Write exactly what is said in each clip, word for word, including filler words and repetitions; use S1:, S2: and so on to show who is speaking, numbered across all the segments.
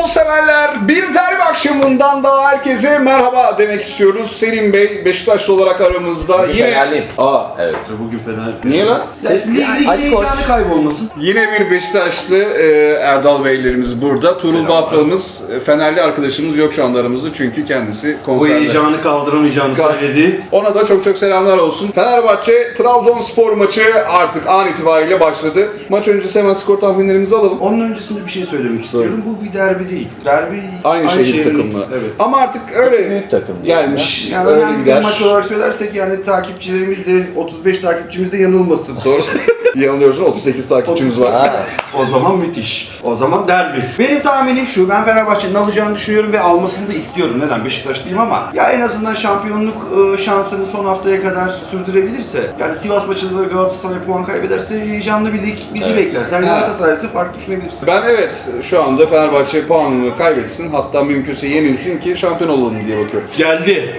S1: Futbol severler, bir derbi akşamından daha herkese merhaba demek istiyoruz. Selim Bey Beşiktaşlı olarak aramızda.
S2: Bugün
S1: yine
S2: Fenerliyim.
S1: Aa,
S2: Evet.
S3: Bugün Fener.
S1: niye lan?
S3: Ligin heyecanı kaybolmasın.
S1: Yine bir Beşiktaşlı e, Erdal Beylerimiz burada. Tuğrul Bafra'mız, e, Fenerli arkadaşımız yok şu anda aramızda çünkü kendisi
S3: Bu
S1: konserde.
S3: heyecanı kaldıramayacağını
S1: Kal-
S3: söyledi.
S1: Ona da çok çok selamlar olsun. Fenerbahçe Trabzonspor maçı artık an itibariyle başladı. Maç öncesi hemen skor tahminlerimizi alalım.
S3: Onun öncesinde bir şey söylemek istiyorum. Bu bir derbi değil. Derbi
S1: Aynı, şehir
S3: şehrin-
S1: takımı.
S3: Evet.
S1: Ama artık öyle
S2: büyük takım diye
S1: gelmiş.
S3: Yani
S1: öyle
S3: önemli bir
S1: gider.
S3: maç olarak söylersek yani takipçilerimiz de otuz beş takipçimiz de yanılmasın.
S1: Doğru. Yanılıyorsun, otuz sekiz takipçimiz var.
S2: Ha.
S3: O zaman müthiş. O zaman derbi. Benim tahminim şu. Ben Fenerbahçe'nin alacağını düşünüyorum ve almasını da istiyorum. Neden? Beşiktaşlıyım ama ya en azından şampiyonluk e, şansını son haftaya kadar sürdürebilirse, yani Sivas maçında da Galatasaray puan kaybederse heyecanlı bir lig bizi
S2: Evet.
S3: bekler. Sen
S1: Ha.
S3: Galatasaray'sı farklı düşünebilirsin.
S1: Ben evet şu anda Fenerbahçe puanını kaybetsin, hatta mümkünse yenilsin ki şampiyon olalım diye bakıyorum.
S3: Geldi.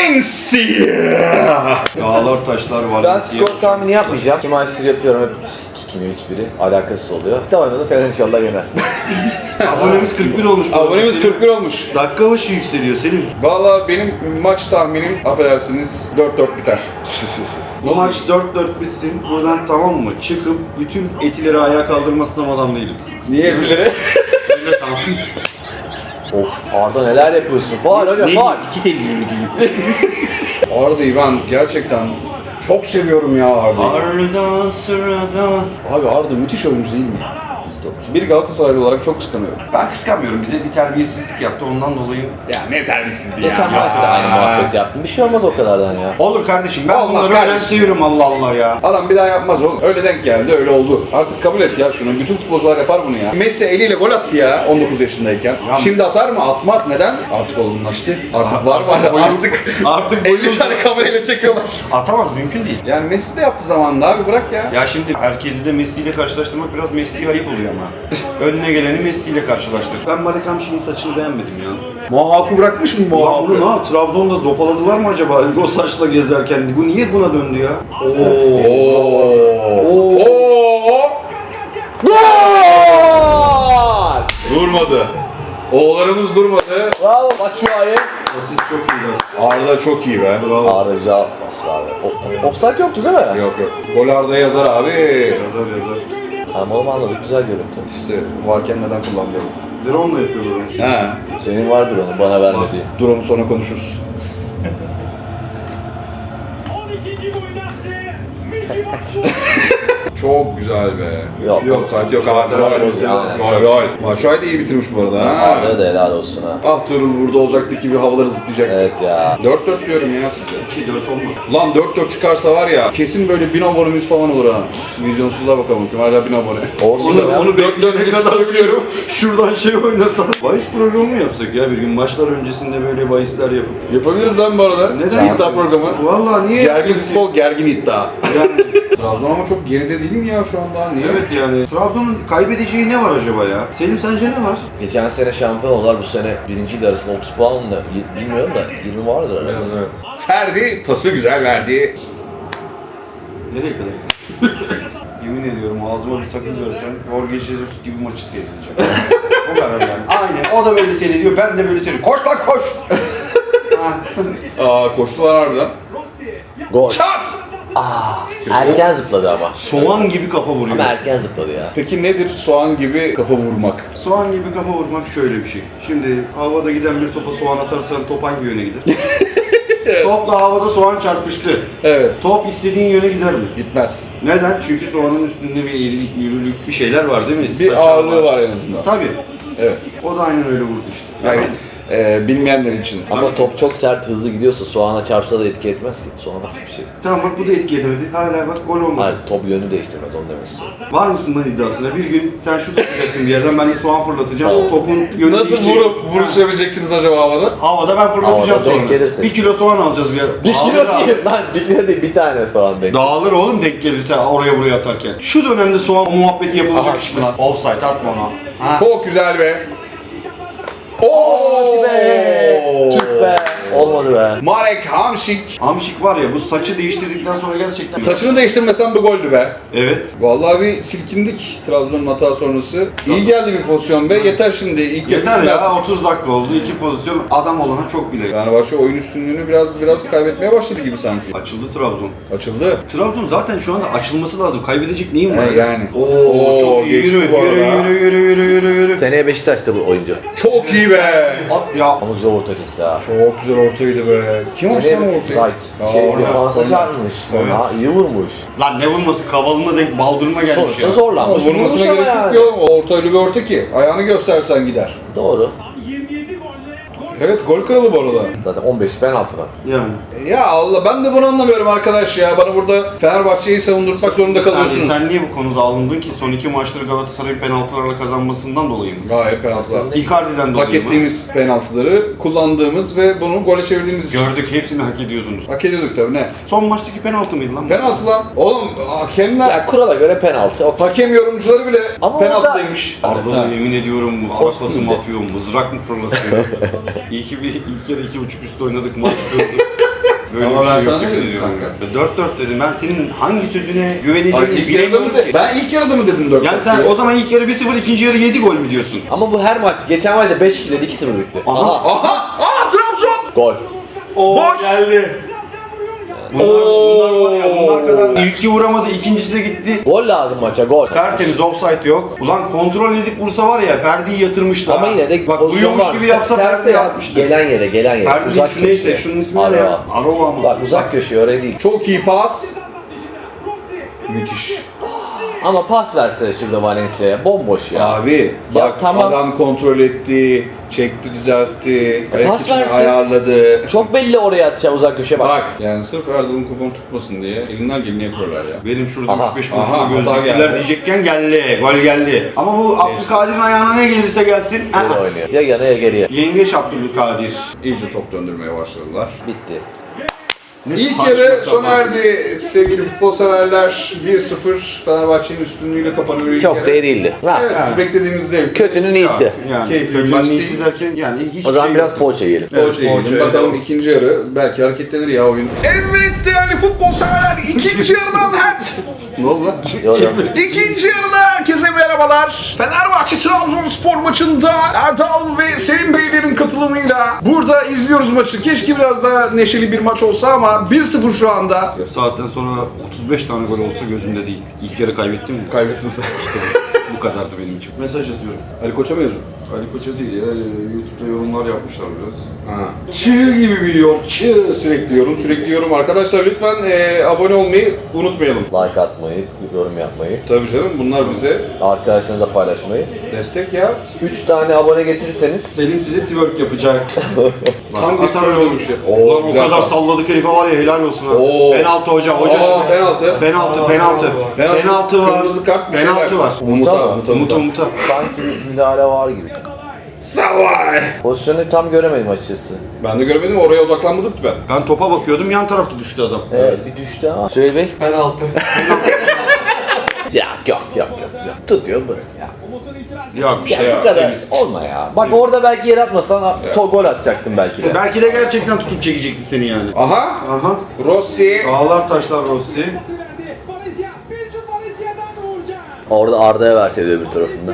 S1: Valencia!
S3: Dağlar taşlar var.
S2: Ben skor tahmini yapmayacağım. İki maçtır yapıyorum, hep tutmuyor hiçbiri. Alakasız oluyor. Tamam da Fener inşallah yener.
S3: Abonemiz kırk bir olmuş. bu arada.
S1: Abonemiz
S3: Selim.
S1: kırk bir olmuş.
S3: Dakika başı yükseliyor Selim.
S1: Valla benim maç tahminim, affedersiniz, dört dört biter.
S3: Bu maç dört dört bitsin. Buradan tamam mı? Çıkıp bütün etileri ayağa kaldırmasına adam değilim.
S1: Niye etilere?
S3: Öyle sansın.
S2: Of, Arda neler yapıyorsun? Faal hocam,
S3: Ne
S2: faal.
S3: İki telliyi mi diyeyim?
S1: Arda'yı ben gerçekten çok seviyorum ya Arda'yı.
S3: Arda sırada.
S1: Abi Arda müthiş oyuncu değil mi? Bir Galatasaraylı olarak çok kıskanıyorum.
S3: Ben kıskanmıyorum. Bize bir terbiyesizlik yaptı ondan dolayı.
S1: Ya ne terbiyesizliği ya.
S2: Geçen maçta aynı muhabbet yaptım. Bir şey olmaz o kadardan ya.
S3: Olur kardeşim, ben
S1: Olmaz
S3: bunları
S1: kardeşim.
S3: önemsiyorum Allah Allah ya.
S1: Adam bir daha yapmaz oğlum. Öyle denk geldi, öyle oldu. Artık kabul et ya şunu. Bütün futbolcular yapar bunu ya. Messi eliyle gol attı ya on dokuz yaşındayken.
S3: Ya-
S1: Şimdi atar mı? Atmaz. Neden? Artık olgunlaştı. Artık
S3: Artık
S1: var var.
S3: boyu-
S1: Artık
S3: artık boyu
S1: elli tane kamerayla çekiyorlar.
S3: Atamaz, mümkün değil.
S1: Yani Messi de yaptı zamanında abi, bırak ya.
S3: Ya şimdi herkesi de Messi ile karşılaştırmak biraz Messi'ye ayıp oluyor ama. Önüne geleni Messi ile karşılaştır. Ben Malik Hamşik'in saçını beğenmedim ya.
S1: Muhakkı bırakmış mı
S3: Ulan
S1: Muhakkı?
S3: bunu ne yap? Trabzon'da zopaladılar mı acaba o saçla gezerken? Bu niye buna döndü ya?
S1: Oo.
S3: Oo.
S1: Oo.
S2: Gol!
S1: Durmadı. Oğullarımız durmadı.
S2: Bravo Batshuayi.
S3: Siz çok iyi biraz.
S1: Arda çok iyi be.
S3: Bravo.
S2: Arda güzel pas verdi. O- Offside yoktu değil mi?
S1: Yok yok. Gol Arda yazar abi.
S3: Yazar yazar.
S2: Tamam oğlum anladık, güzel görüntü.
S1: İşte varken neden kullanmıyorum?
S3: Drone ile yapıyorlar onu.
S1: He.
S2: Senin vardır onu bana vermediği.
S1: Dur onu sonra konuşuruz. Çok güzel be.
S2: Yok.
S1: Yok saat yok abi. Gol.
S2: Yani.
S1: Gol gol. Maçay da iyi bitirmiş bu arada ha.
S2: Arda'ya da helal olsun ha.
S1: Ah Tuğrul burada olacaktı ki bir havaları zıplayacaktı.
S2: Evet ya.
S1: dört dört diyorum ya size.
S3: iki dört olmaz.
S1: Lan dört dört çıkarsa var ya kesin böyle bin abonemiz falan olur ha. Vizyonsuzluğa bakalım kim hala bin abone.
S2: Olsun
S3: Onu,
S2: ya.
S3: onu
S1: dört dört
S3: bekleyene kadar
S1: biliyorum.
S3: biliyorum. Şuradan şey oynasan. Bahis programı mı yapsak ya bir gün? Maçlar öncesinde böyle bahisler yapıp.
S1: Yapabiliriz lan bu arada.
S3: Neden?
S1: İddia programı.
S3: Vallahi niye?
S1: Gergin
S3: yapıyorsun?
S1: futbol, gergin iddia.
S3: Yani,
S1: Trabzon ama çok geride değil mi ya şu anda? Niye?
S3: evet yani. Trabzon'un kaybedeceği ne var acaba ya? Selim sence ne var?
S2: Geçen sene şampiyon oldular, bu sene birinciyle arasında otuz puan mı? Y- Bilmiyorum da yirmi vardır herhalde.
S1: Ferdi pası güzel verdi.
S3: Nereye kadar? Yemin ediyorum ağzıma bir sakız versen Jorge Jesus gibi maçı seyredeceğim. O kadar yani. Aynen. O da böyle seyrediyor. Ben de böyle seyrediyorum. Koş lan koş!
S1: Aa koştular harbiden.
S2: Gol.
S1: Çat!
S2: Erken zıpladı ama.
S3: Soğan gibi kafa vuruyor.
S2: Ama erken zıpladı ya.
S1: Peki nedir soğan gibi kafa vurmak?
S3: Soğan gibi kafa vurmak şöyle bir şey. Şimdi havada giden bir topa soğan atarsan top hangi yöne gider? Topla havada soğan çarpıştı.
S1: Evet.
S3: Top istediğin yöne gider mi?
S1: Gitmez.
S3: Neden? Çünkü soğanın üstünde bir eğrilik, yürürlük bir şeyler var değil mi?
S1: Bir
S3: Saçar
S1: ağırlığı var en azından.
S3: Tabii.
S1: Evet.
S3: O da aynen öyle vurdu işte.
S1: Yani e, bilmeyenler için.
S2: Ama top çok sert hızlı gidiyorsa soğana çarpsa da etki etmez ki. Soğan hafif bir şey.
S3: Tamam bak bu da etki edemedi. Hala bak gol olmadı.
S2: Hayır, top yönü değiştirmez, onu demek istiyorum.
S3: Var mısın lan iddiasına? Bir gün sen şut atacaksın bir yerden, ben de soğan fırlatacağım.
S2: Tamam.
S3: O topun yönü
S1: Nasıl
S3: değişecek.
S1: vurup vuruşabileceksiniz acaba havada?
S3: Havada ben fırlatacağım
S2: Havada denk
S3: sonra.
S2: gelirse.
S3: Bir kilo soğan alacağız bir yer.
S2: Bir kilo
S3: Dağılır
S2: değil lan, bir kilo değil, bir tane soğan denk.
S3: Dağılır oğlum denk gelirse oraya buraya atarken. Şu dönemde soğan muhabbeti yapılacak
S2: Aha.
S3: iş mi lan? Offside atma ona. Ha.
S1: Çok güzel be.
S2: Hadi be! Tüh be! Olmadı be.
S1: Marek Hamšík.
S3: Hamşik var ya bu saçı değiştirdikten sonra gerçekten...
S1: Saçını değiştirmesen bu goldü be.
S3: Evet.
S1: Vallahi bir silkindik Trabzon'un hata sonrası. İyi geldi bir pozisyon be. Yeter şimdi. İlk
S3: Yeter
S1: yarı
S3: ya otuz dakika oldu. iki pozisyon adam olana çok bile.
S1: Fenerbahçe oyun üstünlüğünü biraz biraz kaybetmeye başladı gibi sanki.
S3: Açıldı Trabzon.
S1: Açıldı.
S3: Trabzon zaten şu anda açılması lazım. Kaybedecek neyim var?
S1: He, yani.
S3: Oo,
S1: Oo,
S3: çok iyi.
S1: geçti
S3: Yürü,
S1: bu
S3: yürü,
S1: arada.
S3: yürü, yürü, yürü, yürü, yürü.
S2: Seneye Beşiktaş'ta bu oyuncu.
S1: Çok iyi be.
S3: At ya.
S2: Ama güzel orta kesti ha.
S1: Çok güzel ortaydı be. Kim açtı lan o ortayı?
S2: Zayt.
S1: Aa,
S2: Şey
S1: orada,
S2: defansa
S1: orada.
S2: çarpmış.
S3: Evet.
S2: Ona iyi vurmuş.
S3: Lan ne vurması kavalına denk baldırma gelmiş
S2: Sonuçta
S3: ya.
S2: zorlanmış.
S1: Vurmasına
S2: Vurmuş
S1: gerek
S2: ama
S1: yok
S2: yani.
S1: ya. O orta öyle bir orta ki. Ayağını göstersen gider.
S2: Doğru.
S1: Evet gol kralı bu arada.
S2: Zaten on beş penaltı var.
S3: Yani.
S1: Ya Allah ben de bunu anlamıyorum arkadaş ya. Bana burada Fenerbahçe'yi savundurmak zorunda
S3: Sen,
S1: kalıyorsunuz.
S3: sen niye bu konuda alındın ki? Son iki maçları Galatasaray'ın penaltılarla kazanmasından dolayı mı?
S1: Gayet penaltılar.
S3: Icardi'den dolayı
S1: Hak
S3: mı?
S1: ettiğimiz penaltıları kullandığımız ve bunu gole çevirdiğimiz için.
S3: Gördük hepsini hak ediyordunuz.
S1: Hak ediyorduk tabii ne?
S3: Son maçtaki penaltı mıydı lan?
S1: Penaltı lan. Oğlum hakemler,
S2: Ya kurala göre penaltı. Okey.
S1: hakem yorumcuları bile
S2: Ama
S1: penaltıdaymış.
S3: Arda da yemin ediyorum
S2: Hoş
S3: arapası mı
S2: değil.
S3: atıyor, mızrak mı fırlatıyor? İyi ki bir ilk yarı iki buçuk üstü oynadık maç dördü. Böyle
S1: Ama
S3: bir
S1: ben
S3: şey
S1: sana
S3: yok
S1: ne
S3: yemin
S1: dedim
S3: ediyorum.
S1: kanka?
S3: dört dört dedim. Ben senin hangi sözüne
S1: Ay,
S3: güveneceğimi
S1: ilk yarıda
S3: bilemiyorum
S1: mı de-
S3: ki.
S1: Ben ilk yarıda mı dedim dört?
S3: Yani sen o zaman ilk yarı bir sıfır, ikinci yarı yedi gol mü diyorsun?
S2: Ama bu her maç. Geçen maçta beş ikili iki sıfır bitti.
S3: Aha.
S1: Aha! Aa Trabzon!
S2: Gol.
S3: Boş!
S2: Geldi.
S3: Bunlar, bunlar var ya bunlar kadar ilki vuramadı, ikincisi de gitti.
S2: Gol lazım maça gol.
S3: Tertemiz offside yok. Ulan kontrol edip vursa var ya Ferdi'yi yatırmıştı.
S2: Ama
S3: ha.
S2: yine de
S3: bak
S2: pozisyon
S3: duyuyormuş
S2: var.
S3: gibi yapsa
S2: Terse
S3: Ferdi
S2: ya,
S3: yapmıştı.
S2: Gelen yere gelen yere.
S3: Ferdi değil şu neyse
S2: köşeye.
S3: şunun ismi ne ya?
S2: Arova.
S3: Arova mı?
S2: Bak uzak köşeye oraya değil.
S1: Çok iyi pas. Müthiş.
S2: Ama pas verse şurada Valencia'ya bomboş ya.
S1: Abi
S2: Ya
S1: bak
S2: tamam.
S1: adam kontrol etti, çekti düzeltti, ayak
S2: pas
S1: içini
S2: versin.
S1: ayarladı.
S2: Çok belli oraya atacağı uzak köşeye bak.
S1: Bak yani sırf Erdal'ın kuponu tutmasın diye elinden geleni yapıyorlar ya.
S3: Benim şurada
S2: Aha,
S3: üç beş
S1: aha,
S3: kuruşuna göz
S1: hata
S3: diktiler
S1: geldi.
S3: diyecekken geldi. Gol geldi. Ama bu Abdülkadir'in ayağına ne gelirse gelsin.
S2: Böyle
S3: aha.
S2: oynuyor. Ya yana ya geriye.
S3: Yengeç Abdülkadir.
S1: İyice top döndürmeye başladılar.
S2: Bitti.
S3: Ne
S1: İlk
S3: saçma
S1: yarı
S3: sapan.
S1: sona erdi sevgili futbol severler. bir sıfır Fenerbahçe'nin üstünlüğüyle kapanıyor ilk
S2: Çok
S1: yarı.
S2: da iyi değildi. Ha.
S1: Evet,
S3: Ha.
S1: beklediğimiz zevk.
S2: Kötünün iyisi.
S3: Yani
S1: Keyifli bir
S3: kötünün
S1: maç
S3: iyisi
S1: değil.
S3: derken yani hiç
S2: O zaman
S3: şey
S2: biraz
S3: yok.
S2: poğaça yiyelim.
S3: Evet,
S1: Poğaça yiyelim.
S3: poğaça,
S1: Bakalım
S3: evet.
S1: ikinci yarı belki hareketlenir ya oyun. Evet değerli futbol severler ikinci yarıdan her
S3: Ne oldu lan?
S2: Yok, yok.
S1: İkinci yarıda herkese merhabalar. Fenerbahçe Trabzonspor maçında Erdal ve Selim Beylerin katılımıyla burada izliyoruz maçı. Keşke biraz daha neşeli bir maç olsa ama bir sıfır şu anda.
S3: Saatten sonra otuz beş tane gol olsa gözümde değil. İlk yarı kaybettim mi?
S1: Kaybettin sen.
S3: Bu kadardı benim için. Mesaj yazıyorum.
S1: Ali Koç'a mı yazıyorsun?
S3: Ali Koç'a değil ya. YouTube'da yorumlar yapmışlar biraz.
S1: Ha. Çığ gibi bir yorum. Çığ sürekli yorum, sürekli yorum. Arkadaşlar lütfen e, abone olmayı unutmayalım.
S2: Like atmayı, yorum yapmayı,
S1: Tabii canım bunlar bize
S2: arkadaşlarınızla paylaşmayı.
S1: destek ya.
S2: üç tane abone getirirseniz
S3: Selim size twerk yapacak.
S1: Tam
S3: Bak,
S1: bir
S3: atar
S1: öyle
S3: öyle
S1: olmuş ya.
S3: Ulan o
S1: güzel
S3: kadar
S1: pas.
S3: salladık herife var ya helal olsun ha.
S1: Oo.
S3: Penaltı hocam. Hoca
S1: Aa, penaltı.
S3: Penaltı, penaltı.
S1: Penaltı,
S3: Penaltı var.
S1: kırmızı kart bir
S3: Penaltı
S1: şeyler.
S3: var.
S1: Umuta,
S2: Umuta mı?
S1: umuta,
S3: Umuta
S1: umuta.
S3: umuta.
S2: sanki bir müdahale var gibi.
S1: Savay.
S2: Pozisyonu tam göremedim açıkçası.
S1: Ben de görmedim oraya odaklanmadım ki ben.
S3: Ben topa bakıyordum yan tarafta düştü adam.
S2: Evet, bir düştü ama. Söyle Bey.
S4: Penaltı.
S2: Ya yok yok yok yok. Tutuyor bırak ya.
S3: Ya bir
S2: Ya
S3: şey
S2: bu
S3: ya.
S2: kadar
S3: temiz.
S2: olma ya. Bak orada belki yer atmasan to gol atacaktın belki de.
S3: Belki de gerçekten tutup çekecekti seni yani.
S1: Aha.
S3: Aha.
S1: Rossi.
S3: Ağlar taşlar Rossi.
S2: Orada Arda'ya verseydi öbür tarafında.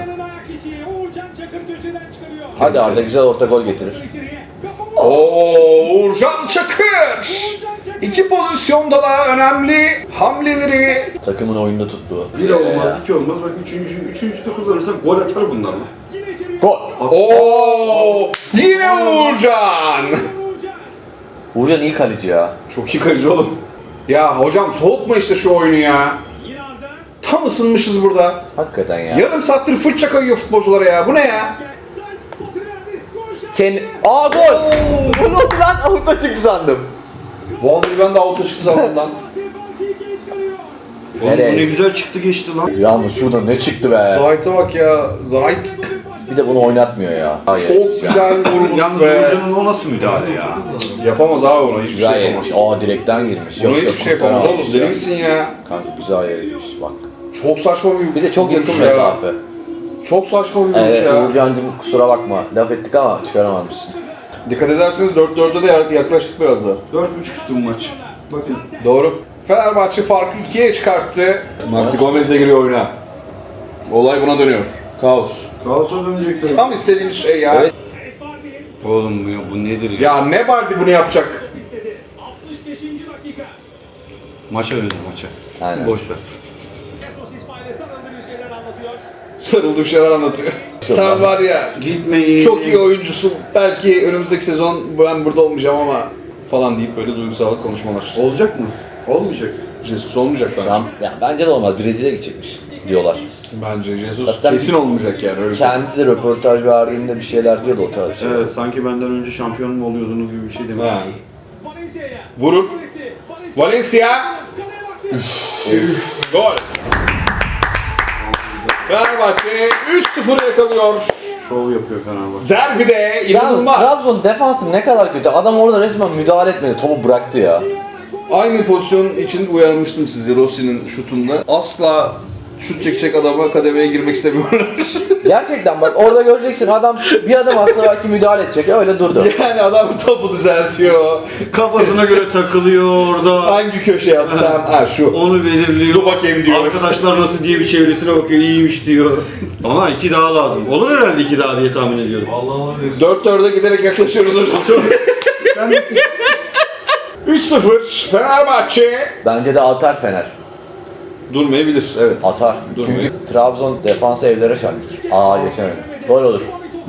S2: Hadi Arda güzel orta gol getirir.
S1: Oo, Uğurcan Çakır. İki pozisyonda da önemli hamleleri.
S2: Takımın oyunda tuttuğu.
S3: Bir olmaz, iki olmaz. Bak üçüncü, üçüncü de kullanırsak gol atar bunlar mı?
S2: Gol.
S1: Oo, yine Uğurcan.
S2: Uğurcan iyi kaleci ya.
S1: Çok iyi kaleci oğlum. Ya hocam soğutma işte şu oyunu ya. Tam ısınmışız burada.
S2: Hakikaten ya.
S1: Yarım saattir fırça kayıyor futbolculara ya. Bu ne ya?
S2: Sen... Aa gol! Bu ne oldu lan? Avuta çıktı sandım.
S1: Vallahi ben de auto çıktı sandım lan.
S3: Oğlum
S2: Nereye?
S3: bu ne güzel çıktı geçti lan.
S2: Yalnız şurada ne çıktı be.
S1: Zahit'e bak ya. Zahit
S2: Bir de bunu oynatmıyor ya. Hayır.
S1: çok güzel vurmuş
S3: Yalnız
S1: be.
S3: Uğurcan'ın o nasıl müdahale ya?
S1: Yapamaz abi ona hiçbir
S2: Güzel
S1: şey
S2: yemiş.
S1: yapamaz.
S2: Aa direkten girmiş.
S1: Buna hiçbir şey yapamaz oğlum. Deli misin ya?
S2: Kanka güzel yemiş bak.
S1: Çok saçma bir
S2: Bir de çok yakın
S1: vuruş ya.
S2: mesafe.
S1: Çok saçma bir vuruş
S2: Evet
S1: ya.
S2: Uğurcan'cım kusura bakma. Laf ettik ama çıkaramamışsın.
S1: Dikkat ederseniz dört dörde de yaklaştık biraz da.
S3: dört buçuk üstü bu maç. Bakın.
S1: Doğru. Fenerbahçe farkı ikiye çıkarttı. Maxi Gomez de giriyor oyuna. Olay buna dönüyor. Kaos.
S3: Kaos'a dönecekler.
S1: Tam istediğimiz şey ya.
S2: Evet.
S3: Oğlum bu, bu nedir ya?
S1: Ya ne Bardi bunu yapacak?
S4: altmış beşinci dakika.
S3: Maça öyle maça.
S2: Aynen.
S3: Boş ver.
S4: Jesus İsmail'e sarıldı bir şeyler anlatıyor.
S1: Sarıldığı şeyler anlatıyor. Sen var ya
S3: Gitmeyin.
S1: çok iyi oyuncusun. Belki önümüzdeki sezon ben burada olmayacağım ama falan deyip böyle duygusal konuşmalar.
S3: Olacak mı? Olmayacak.
S1: Jesus olmayacak bence.
S2: Tam, ya bence de olmaz. Brezilya'ya gidecekmiş diyorlar.
S1: Bence Jesus
S2: Zaten
S1: kesin olmayacak yani öyle söyleyeyim.
S2: Kendi de röportaj verdiğinde bir şeyler diyordu o tarz şeyler.
S3: Evet, sanki benden önce şampiyon mu oluyordunuz gibi bir şey demek.
S1: Ha.
S4: Valencia'ya.
S1: Vurur.
S4: Valencia.
S1: Valencia.
S4: Kaleye baktı.
S1: Gol. Fenerbahçe üç sıfır yakalıyor.
S3: Şov yapıyor Fenerbahçe.
S1: Derbide
S2: Yalnız
S1: inanılmaz.
S2: Trabzon defansı ne kadar kötü. Adam orada resmen müdahale etmedi. Topu bıraktı ya.
S1: Aynı pozisyon için uyarmıştım sizi Rossi'nin şutunda. Asla şut çekecek adama kademeye girmek istemiyorlar.
S2: Gerçekten bak orada göreceksin adam bir adım atsa belki müdahale edecek. Öyle durdu.
S1: Yani adam topu düzeltiyor.
S3: Kafasına göre takılıyor orada.
S1: Hangi köşeye atsam? Ha şu.
S3: Onu belirliyor.
S1: Dur bakayım diyor.
S3: Arkadaşlar nasıl diye bir çevresine bakıyor. İyiymiş diyor. Ama iki daha lazım. Olur herhalde iki daha diye tahmin ediyorum.
S1: dört dörde giderek yaklaşıyoruz hocam. üç sıfır Fenerbahçe.
S2: Bence de atar Fener.
S1: Durmayabilir evet.
S2: Atar.
S1: Durmuyor.
S2: Çünkü Trabzon defansı evlere çarptık. Aa geçemedi. Gol olur.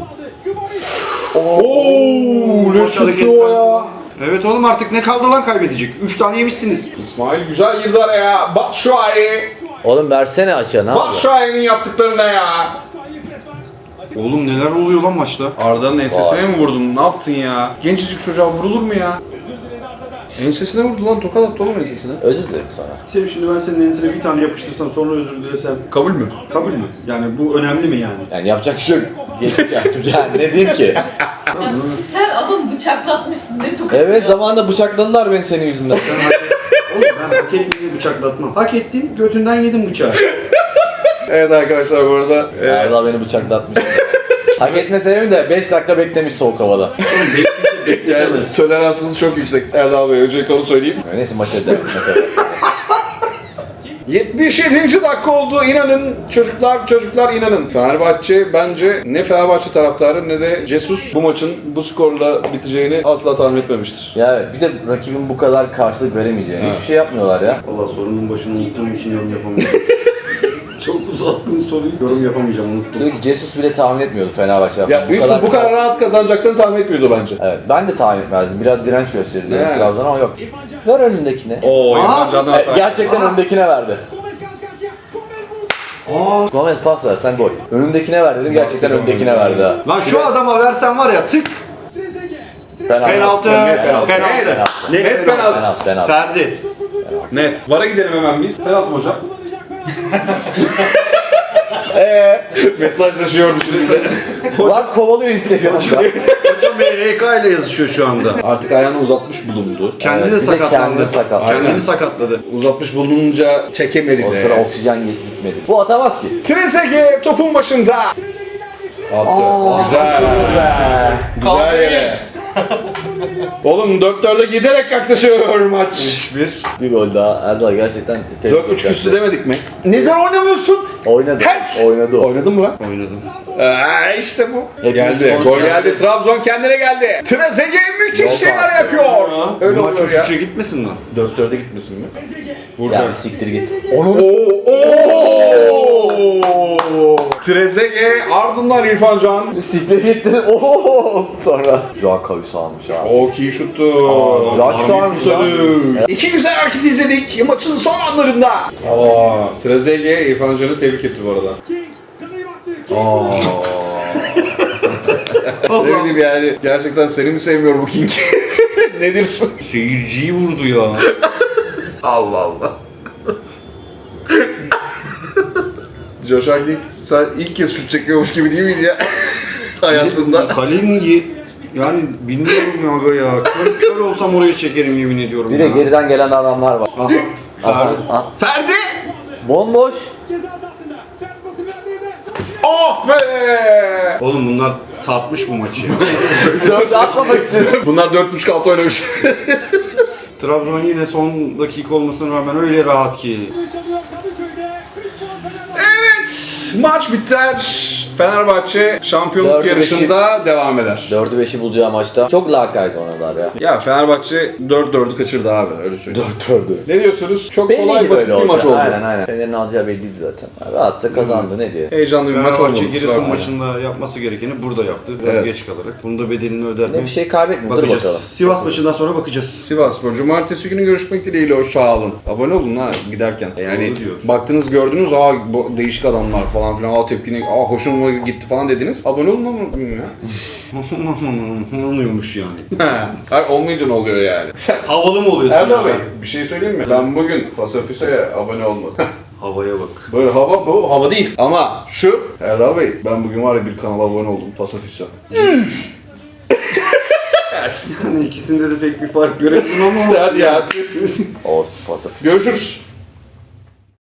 S1: Ooo ne
S3: Boş
S1: şuttu
S3: hareketler.
S1: o ya.
S3: Evet oğlum artık ne kaldı lan kaybedecek? Üç tane yemişsiniz.
S1: İsmail güzel girdi araya. Batshuayi.
S2: Oğlum versene açığa ne yapıyor?
S1: Batshuayi'nin yaptıklarına ya.
S3: Oğlum neler oluyor lan maçta?
S1: Arda'nın ensesine mi vurdun? Ne yaptın ya? Gencecik çocuğa vurulur mu ya? Ensesine vurdu lan, tokat attı oğlum ensesine.
S2: Özür dilerim sana.
S3: Senin şimdi ben senin ensene bir tane yapıştırsam sonra özür dilesem
S1: Kabul mü?
S3: kabul mü? Yani bu önemli mi yani?
S2: Yani yapacak bir şey yok. Geçecek. Yani ne diyeyim ki?
S5: Ya sen adam bıçaklatmışsın ne tokat.
S2: Evet zamanında bıçakladılar beni senin yüzünden.
S3: Ben hak et- Oğlum ben hak ettiğimi bıçaklatmam. Hak ettin götünden yedim bıçağı.
S1: Evet arkadaşlar bu arada e,
S2: Erdal beni bıçaklatmış. Hak etme sebebi de beş dakika beklemiş soğuk havada.
S3: Oğlum bekle
S1: yani toleransınız çok yüksek Erdal Bey, öncelikle onu söyleyeyim.
S2: Neyse maça devam. Maça devam.
S1: yetmiş yedinci dakika oldu, inanın çocuklar çocuklar inanın. Fenerbahçe bence ne Fenerbahçe taraftarı ne de Jesus bu maçın bu skorla biteceğini asla tahmin etmemiştir.
S2: Ya evet bir de rakibin bu kadar karşılık veremeyeceğini hiçbir şey yapmıyorlar ya.
S3: Valla sorunun başını unuttuğum için yorum yapamayacağım. Çok uzattığın soruyu yorum yapamayacağım unuttum.
S2: Diyor ki Jesus bile tahmin etmiyordu Fenerbahçe.
S1: Ya üç sıfır bu kadar rahat kazanacaklarını tahmin etmiyordu bence.
S2: Evet ben de tahmin etmezdim. Biraz direnç gösterdi
S1: Yani.
S2: Trabzon ama yok. Ver önündekine.
S1: Oo,
S3: Aa,
S1: İrfan Can'dan
S2: E,
S1: hata.
S2: gerçekten önündekine verdi.
S4: Gomez karşı karşıya. Gomez vurdu.
S3: Aa,
S2: Gomez pas versen gol. Önündekine ver dedim gerçekten
S1: Gomez
S2: önündekine
S1: ya.
S2: verdi ha.
S3: lan şu adama versen var ya tık.
S4: Trezeguet.
S3: Penaltı.
S2: Penaltı.
S3: Penaltı.
S1: Net
S3: Net
S1: penaltı.
S2: Penaltı, penaltı.
S3: Ferdi.
S1: Net. Vara gidelim hemen biz. Penaltı mı hocam?
S4: Kullanacak penaltı.
S1: Eee mesajlaşıyordu şimdi bize.
S2: Lan kovalıyor Instagram'da.
S3: Hocam H K ile yazışıyor şu anda.
S1: Artık ayağını uzatmış bulundu.
S3: Kendi
S2: Evet,
S3: de
S2: bir de
S3: sakatlandı.
S2: kendi sakatlandı.
S3: Kendini
S1: Aynen.
S3: sakatladı.
S1: Uzatmış bulununca çekemedi
S2: O
S1: de.
S2: sıra oksijen git- gitmedi. Bu atamaz ki.
S1: Trezeguet topun başında. Attı. Güzel. Güzel yere. Oğlum dört dörde giderek yaklaşıyor maç.
S3: üç bir.
S2: Bir gol daha. Erdal gerçekten tebrik
S1: dört üç
S2: ederim.
S1: küstü demedik mi? Neden oynamıyorsun?
S2: Oynadı.
S1: Her-
S2: Oynadı o.
S1: Oynadın mı lan?
S3: Oynadım.
S1: Aa, işte bu.
S2: Hepimiz
S1: Geldi.
S2: konuştuk.
S1: Gol geldi. Trabzon kendine geldi. Trezeguet müthiş
S2: Yok
S1: şeyler
S2: artık.
S1: yapıyor. Öyle
S3: Bu maç
S1: oluyor ya.
S3: üç üçe gitmesin lan.
S1: dört dörde gitmesin mi?
S2: Ya bir siktir git.
S1: Oo! Oo! Trezeguet ardından İrfan Can.
S2: Siktir gitti. Ooo. Sonra. Güzel kavus almış abi.
S1: Çok iyi şuttu.
S2: Güzel çıkarmış lan.
S1: İki güzel hareket izledik maçın son anlarında. Aa, Trezeguet İrfan Can'ı tebrik etti bu arada.
S4: King. Kaleye baktı. King.
S1: Aa. Ne bileyim yani gerçekten seni mi sevmiyor bu King? Nedir?
S3: Seyirciyi vurdu ya.
S1: Allah Allah. Joshua King sen ilk kez şut çekiyormuş gibi değil miydi ya? Hayatında.
S3: Kalenin ye... Yani bilmiyorum ya aga ya. Kör, kör olsam oraya çekerim yemin ediyorum
S2: Bir de
S3: ya.
S2: geriden gelen adamlar var.
S3: Aha.
S2: Aha,
S3: Ferdi.
S2: aha.
S1: Ferdi!
S2: Bomboş.
S4: Ceza sahasında. Ferdi pası verdi.
S1: Oh be!
S3: Oğlum bunlar satmış bu maçı.
S2: Dört atlamak için.
S1: Bunlar dört buçuk altı oynamış.
S3: Trabzon yine son dakika olmasına rağmen öyle rahat ki.
S4: Çalıyor Kadıköy'de. üç puan Fenerbahçe.
S1: Evet, maç biter. Fenerbahçe şampiyonluk
S2: Dördü
S1: yarışında devam eder.
S2: Dördü beşi bulacağı maçta çok lakayt oynadılar ya.
S1: Ya Fenerbahçe dört dördü kaçırdı abi, öyle söyleyeyim.
S2: Dört dördü.
S1: Ne diyorsunuz? Çok kolay
S2: Belliydi
S1: basit
S2: böyle
S1: bir maç
S2: olacak.
S1: oldu.
S2: Aynen aynen. Fener'in alacağı belliydi zaten. Rahatça kazandı ne diye.
S1: Heyecanlı bir maç oldu.
S3: Fenerbahçe Giresun
S1: kusura bakma.
S3: maçında yapması gerekeni burada yaptı. Biraz
S1: Evet.
S3: geç kalarak. Bunun da bedelini öder
S2: Ne
S3: mi?
S2: bir şey kaybetmiyor. Dur
S3: Bakacağız.
S2: bakalım.
S3: Sivas maçından sonra bakacağız.
S1: Sivasspor. Cumartesi günü görüşmek dileğiyle, hoşça kalın. Abone olun ha giderken. Yani
S3: Doğru diyorsun.
S1: baktınız, gördünüz, aa bu değişik adamlar falan filan, aa tepkine, aa hoşuma gitti falan dediniz. Abone olun ama bilmiyorum ya.
S3: Oluyormuş yani.
S1: Hayır, olmayınca ne oluyor yani?
S3: Havalı mı oluyorsun?
S1: Erdal Bey,
S3: ya?
S1: bir şey söyleyeyim mi? Ben bugün Fasafiso'ya abone olmadım.
S3: Havaya bak.
S1: Böyle hava, bu hava değil. Ama şu, Erdal Bey, ben bugün var ya bir kanala abone oldum, Fasafiso.
S3: Yani ikisinde de pek bir fark göremedim ama.
S1: Hadi ya.
S2: Olsun pasif.
S1: Görüşürüz.